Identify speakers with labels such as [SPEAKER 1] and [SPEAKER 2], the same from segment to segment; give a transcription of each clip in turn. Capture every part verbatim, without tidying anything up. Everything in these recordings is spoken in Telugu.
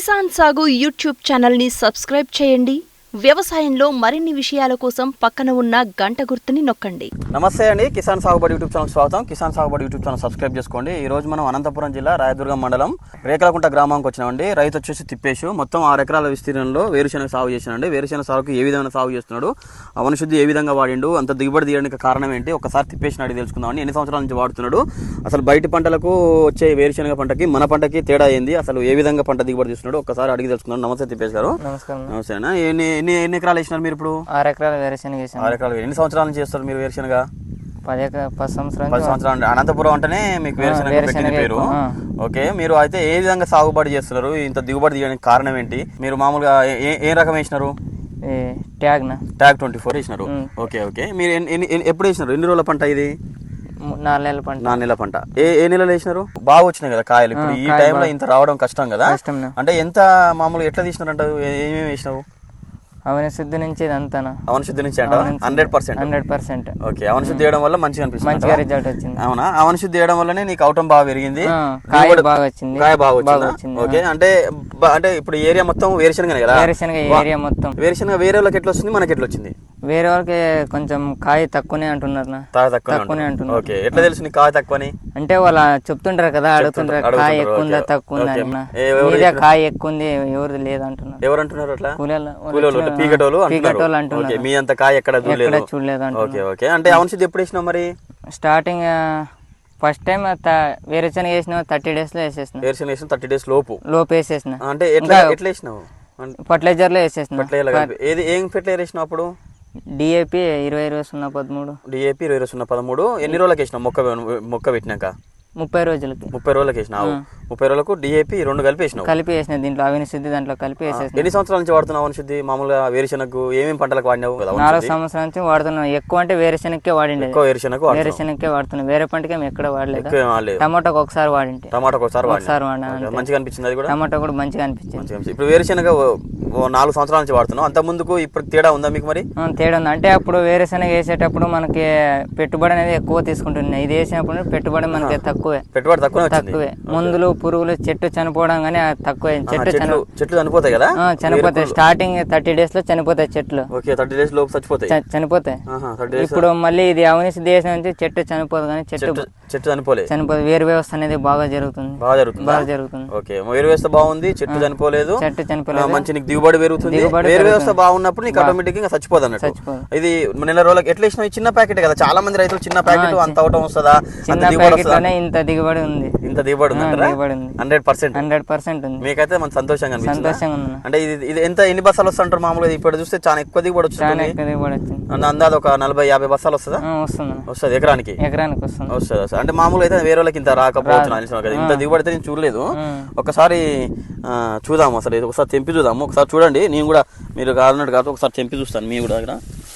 [SPEAKER 1] కిసాన్ సాగు యూట్యూబ్ ఛానల్ని సబ్స్క్రైబ్ చేయండి. వ్యవసాయంలో మరిన్ని విషయాల కోసం పక్కన ఉన్న గంట గుర్తుని నొక్కండి.
[SPEAKER 2] నమస్తే అండి, కిసాన్ సాగుబడి యూట్యూబ్ ఛానల్ స్వాగతం. కిసాన్ సాగుబడి యూట్యూబ్ ఛానల్ సబ్స్క్రైబ్ చేసుకోండి. ఈ రోజు మనం అనంతపురం జిల్లా రాయదుర్గం మండలం రేకలకుంట గ్రామానికి వచ్చినామండి. రైతు వచ్చేసి తిప్పేషు మొత్తం ఆరు ఎకరాల విస్తీర్ణంలో వేరుశెనగ సాగు చేసినండి. వేరుశెనగ సాగుకు ఏ విధంగా సాగు చేస్తున్నాడు, అవనశుద్ధి ఏ విధంగా వాడిండు, అంత దిగుబడి తీయడానికి కారణం ఏంటి, ఒకసారి తిప్పేసిన అడిగి తెలుసుకుందామండి. ఎన్ని సంవత్సరాల నుంచి వాడుతున్నాడు, అసలు బయట పంటలకు వచ్చే వేరుశెనగ పంటకి మన పంటకి తేడా ఏంది, అసలు ఏ విధంగా పంట దిగుబడి తీస్తున్నాడు ఒకసారి అడిగి తెలుసుకుందాం. నమస్తే తిప్పేష్ గారు.
[SPEAKER 3] నమస్కారం.
[SPEAKER 2] నమస్తే అన్న. ఎన్ని ఎన్ని ఎన్ని ఎకరాలు వేసినారు మీరు ఇప్పుడు?
[SPEAKER 3] ఆరు ఎకరాలు వేరుశెనగ వేసాను.
[SPEAKER 2] ఆరు ఎకరాలు. ఎన్ని సంవత్సరాల నుంచి చేస్తారు మీరు వేరుశెనగ? పది
[SPEAKER 3] ఎకరాలు పది సంవత్సరాలు
[SPEAKER 2] పది సంవత్సరాలు. అనంతపురం అంటేనే మీకు వేరుశెనగ పెట్టిన పేరు. ఓకే, మీరు అయితే ఏ విధంగా సాగుబడి చేస్తున్నారు, ఇంత దిగుబడి తీయడానికి కారణం ఏంటి? మీరు మామూలుగా ఏ ఏ రకం వేసినారు?
[SPEAKER 3] ట్యాగ్
[SPEAKER 2] ట్యాగ్ ట్వంటీ ఫోర్ వేసినారు. Okay okay. మీరు ఎప్పుడు వేసినారు? ఎన్ని రోజుల పంట ఇది?
[SPEAKER 3] నాలుగు నెలల పంట.
[SPEAKER 2] నాలుగు నెలల పంట. ఏ ఏ నెలలు వేసినారు? బాగా వచ్చినాయి కదా కాయలు. ఇప్పుడు ఈ టైంలో ఇంత రావడం కష్టం కదా. అంటే ఎంత మామూలుగా ఎట్లా తీసినారంట, ఏమేమి వేసినావు?
[SPEAKER 3] అవనశుద్ధి నుంచి ఇదంతా
[SPEAKER 2] అవనశుద్ధి నుంచి అంట hundred percent
[SPEAKER 3] hundred percent
[SPEAKER 2] okay. అవనశుద్ధి చేయడం వల్ల మంచిగా అనిపిస్తుంది,
[SPEAKER 3] మంచిగా రిజల్ట్ వచ్చింది.
[SPEAKER 2] అవునా? అవనశుద్ధి చేయడం వల్లనే నీకు అవటం బాగా పెరిగింది,
[SPEAKER 3] కాయ బాగా వచ్చింది.
[SPEAKER 2] కాయ బాగా వచ్చింది. ఓకే. అంటే అంటే ఇప్పుడు ఏరియా మొత్తం వేరుశెనగనే కదా?
[SPEAKER 3] వేరుశెనగ ఏరియా మొత్తం
[SPEAKER 2] వేరుశెనగ. వేరే వాళ్ళకి ఎట్లా వస్తుంది, మనకి ఎట్లా వచ్చింది?
[SPEAKER 3] వేరే వాళ్ళకి కొంచెం కాయ తక్కువనే అంటున్నారు. తక్కువనే అంటున్నారు.
[SPEAKER 2] ఓకే. ఎట్లా తెలుసు నీకు కాయ తక్కువని?
[SPEAKER 3] అంటే వాళ్ళ చెప్తుంటారు కదా, అడుగుతుంటారు కాయ ఎక్కువ ఉందా తక్కువ ఉందా అన్న. కాయ ఎక్కువ ఉంది, ఎవరిది లేదంటున్నారు.
[SPEAKER 2] ఎవరు అంటున్నారు అట్లా?
[SPEAKER 3] కూలీలు
[SPEAKER 2] పీకటోలు
[SPEAKER 3] పీకటోళ్ళు అంటున్నారు.
[SPEAKER 2] మీ అంత కాయ ఎక్కడ చూడలేదు.
[SPEAKER 3] చూడలేదు.
[SPEAKER 2] Okay okay. అంటే అవనశుద్ధి ఎప్పుడు వేసినావు మరి?
[SPEAKER 3] స్టార్టింగ్ ఫస్ట్ టైం వేరుశెనగ వేసిన థర్టీ డేస్ లో వేసేసిన.
[SPEAKER 2] వేరుశెనగ వేసిన థర్టీ డేస్ లోపు
[SPEAKER 3] లోపు వేసేసిన.
[SPEAKER 2] అంటే ఎట్లా ఎట్లా వేసినావు?
[SPEAKER 3] ఫర్టిలైజర్ లో వేసేసిన.
[SPEAKER 2] ఏది ఏం ఫెర్టిలైజర్ వేసినావు అప్పుడు?
[SPEAKER 3] డిఏపి ఇరవై ఇరవై సున్నా పదమూడు.
[SPEAKER 2] డిఏపి ఇరవై ఇరవై సున్నా పదమూడు. ఎన్ని రోజులకి వేసినావు మొక్క మొక్క పెట్టినాక?
[SPEAKER 3] ముప్పై రోజులకి.
[SPEAKER 2] ముప్పై రోజులకి వేసినావు. ముప్పై రోజులకు డిఏపి రెండు కలిపి వేసినావు.
[SPEAKER 3] కలిపి వేసిన దీంట్లో అవనశుద్ధి దాంట్లో కలిపి వేసేసిన.
[SPEAKER 2] ఎన్ని సంవత్సరాల నుంచి వాడుతున్నావు అవనశుద్ధి? మామూలుగా వేరుశెనగకు ఏమేమి పంటలకు వాడినావు?
[SPEAKER 3] నాలుగు సంవత్సరాల నుంచి వాడుతున్నాం. ఎక్కువ అంటే వేరుశెనగకే వాడిండే.
[SPEAKER 2] ఎక్కువ వేరుశెనగ
[SPEAKER 3] వేరుశెనగకే వాడుతున్నాం. వేరే పంటకి ఎక్కడ వాడలేదు.
[SPEAKER 2] వాడలేదు.
[SPEAKER 3] టమాటాకు ఒకసారి వాడింటే.
[SPEAKER 2] టమాటాకు ఒకసారి
[SPEAKER 3] ఒకసారి వాడినా.
[SPEAKER 2] మంచిగా అనిపించింది అది కూడా?
[SPEAKER 3] టమాటా కూడా మంచిగా అనిపించింది.
[SPEAKER 2] ఇప్పుడు వేరుశెనగ నాలుగు సంవత్సరాల నుంచి వాడుతున్నావు. అంత ముందుకు ఇప్పుడు తేడా ఉందా మీకు మరి?
[SPEAKER 3] తేడా ఉంది. అంటే అప్పుడు వేరుశెనగ వేసేటప్పుడు మనకి పెట్టుబడి అనేది ఎక్కువ తీసుకుంటున్నాయి. ఇది వేసినప్పుడు పెట్టుబడి మనకి తక్కువే.
[SPEAKER 2] పెట్టుబడి తక్కువ
[SPEAKER 3] తక్కువే. మందులు పురుగులు చెట్టు చనిపోవడం కానీ తక్కువే. చెట్టు
[SPEAKER 2] చెట్లు చనిపోతాయి కదా?
[SPEAKER 3] చనిపోతాయి. స్టార్టింగ్ థర్టీ డేస్ లో చనిపోతాయి చెట్లు.
[SPEAKER 2] థర్టీ డేస్ లోపు చచ్చిపోతాయి.
[SPEAKER 3] చనిపోతాయి. ఇప్పుడు మళ్ళీ ఇది అవనశుద్ధి చేసిన నుంచి చెట్టు చనిపోదు కానీ చెట్టు
[SPEAKER 2] చెట్టు చనిపోలేదు.
[SPEAKER 3] చనిపోదు. వేరు వ్యవస్థ అనేది బాగా జరుగుతుంది.
[SPEAKER 2] బాగా జరుగుతుంది.
[SPEAKER 3] బాగా జరుగుతుంది.
[SPEAKER 2] ఓకే. వేరు వ్యవస్థ బాగుంది, చెట్టు చనిపోలేదు.
[SPEAKER 3] చెట్టు చనిపోలేదు.
[SPEAKER 2] మంచి నీకు దిగుబడి పెరుగుతుంది. వేరు వ్యవస్థ బాగున్నప్పుడు నీకు ఆటోమేటిక్ గా చచ్చిపోదు అన్నట్టు. ఇది నెల రోజులకి ఎట్లా ఇచ్చిన చిన్న ప్యాకెట్ కదా, చాలా మంది రైతులు చిన్న ప్యాకెట్ అంత అవటం వస్తుందా?
[SPEAKER 3] చిన్న ప్యాకెట్ లోనే ఇంత దిగుబడి ఉంది.
[SPEAKER 2] ఇంత దిగుబడి ఉంది. హండ్రెడ్ పర్సెంట్
[SPEAKER 3] హండ్రెడ్ పర్సెంట్ ఉంది.
[SPEAKER 2] మీకైతే మన సంతోషంగా
[SPEAKER 3] సంతోషంగా ఉంది.
[SPEAKER 2] అంటే ఇది ఇది ఎంత ఎన్ని బస్సాలు వస్తుంటారు మామూలుగా? ఇప్పుడు చూస్తే చాలా ఎక్కువ దిగుబడి వస్తుంది. అందాది ఒక నలభై యాభై బస్సాలు వస్తుందా?
[SPEAKER 3] వస్తుంది.
[SPEAKER 2] వస్తుంది ఎకరానికి.
[SPEAKER 3] ఎకరానికి వస్తుంది.
[SPEAKER 2] వస్తుంది వస్తుంది. అంటే మామూలుగా అయితే వేరే వాళ్ళకి ఇంత రాకపోవచ్చు కదా, ఇంత దిగుబడి అయితే నేను చూడలేదు. ఒకసారి చూద్దాము, అసలు ఇది ఒకసారి తెంపి చూద్దాము. ఒకసారి చూడండి, నేను కూడా మీరు కాదన్నట్టు కాదు ఒకసారి తెంపి చూస్తాను. మీ కూడా దగ్గర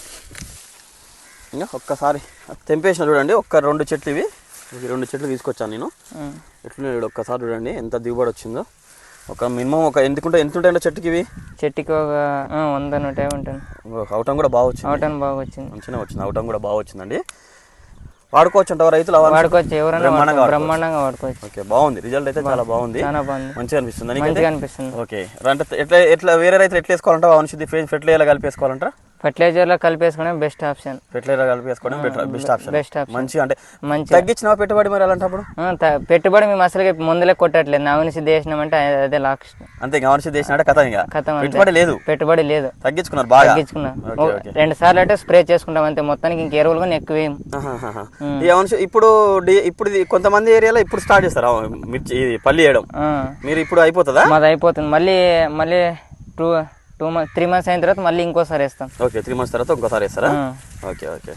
[SPEAKER 2] ఇంకా ఒక్కసారి తెంపేసిన చూడండి. ఒక్క రెండు చెట్లు ఇవి ఇవి రెండు చెట్లు తీసుకొచ్చాను నేను. ఎట్లా ఒక్కసారి చూడండి ఎంత దిగుబడి వచ్చిందో. ఒక మినిమం ఒక ఎందుకుంటే ఎంత ఉంటాయంటే చెట్టుకి ఇవి?
[SPEAKER 3] చెట్టుకి ఒక వంద నూట యాభై ఉంటుంది.
[SPEAKER 2] అవటం కూడా బాగా వచ్చింది.
[SPEAKER 3] అవటం బాగా వచ్చింది.
[SPEAKER 2] మంచిగా వచ్చింది. అవటం కూడా బాగా వచ్చిందండి. వాడుకోవచ్చు అంటావా రైతులు?
[SPEAKER 3] వాడుకోవచ్చు, ఎవరైనా బ్రహ్మాండంగా వాడుకోవచ్చు.
[SPEAKER 2] ఓకే, బాగుంది. రిజల్ట్ అయితే చాలా బాగుంది.
[SPEAKER 3] చాలా బాగుంది.
[SPEAKER 2] మంచిగా అనిపిస్తుంది.
[SPEAKER 3] మంచిగా అనిపిస్తుంది.
[SPEAKER 2] ఓకే. అంటే ఎట్లా ఎట్లా వేరే రైతులు ఎట్లా వేసుకోవాలంటే అవనశుద్ధి ఫెర్టిలైజర్ కలిపేసుకోవాలంటారా?
[SPEAKER 3] ఫెర్టిలైజర్ లో కలిపేసుకోవడం బెస్ట్ ఆప్షన్.
[SPEAKER 2] ఫెర్టిలైజర్ కలిపేసుకోవడం బెస్ట్ ఆప్షన్.
[SPEAKER 3] Best option.
[SPEAKER 2] మంచిగా అంటే
[SPEAKER 3] మంచి
[SPEAKER 2] తగ్గించిన పెట్టుబడి మరి అలాంటప్పుడు?
[SPEAKER 3] పెట్టుబడి మేము అసలు ముందులే కొట్టట్లేదు. అవనశుద్ధి చేసినామంటే అదే లాస్ట్.
[SPEAKER 2] అంతే. అవనశుద్ధి చేసినట్టే కథ. ఇంకా
[SPEAKER 3] కథ
[SPEAKER 2] పెట్టుబడి లేదు.
[SPEAKER 3] పెట్టుబడి లేదు.
[SPEAKER 2] తగ్గించుకున్నారు బాగా.
[SPEAKER 3] తగ్గించుకున్నాం. రెండు సార్లు అంటే స్ప్రే చేసుకుంటాం అంతే. మొత్తానికి ఇంక ఎరువులు కానీ ఎక్కువ ఏం.
[SPEAKER 2] ఇప్పుడు ఇప్పుడు కొంతమంది ఏరియాలో ఇప్పుడు స్టార్ట్ చేస్తారు మిర్చి పల్లి వేయడం. మీరు ఇప్పుడు అయిపోతుందా?
[SPEAKER 3] మాది అయిపోతుంది. మళ్ళీ మళ్ళీ two two months three months అయిన తర్వాత మళ్ళీ ఇంకోసారి వేస్తాం.
[SPEAKER 2] ఓకే. త్రీ మంత్స్ తర్వాత ఇంకోసారి వేస్తారా? Okay okay.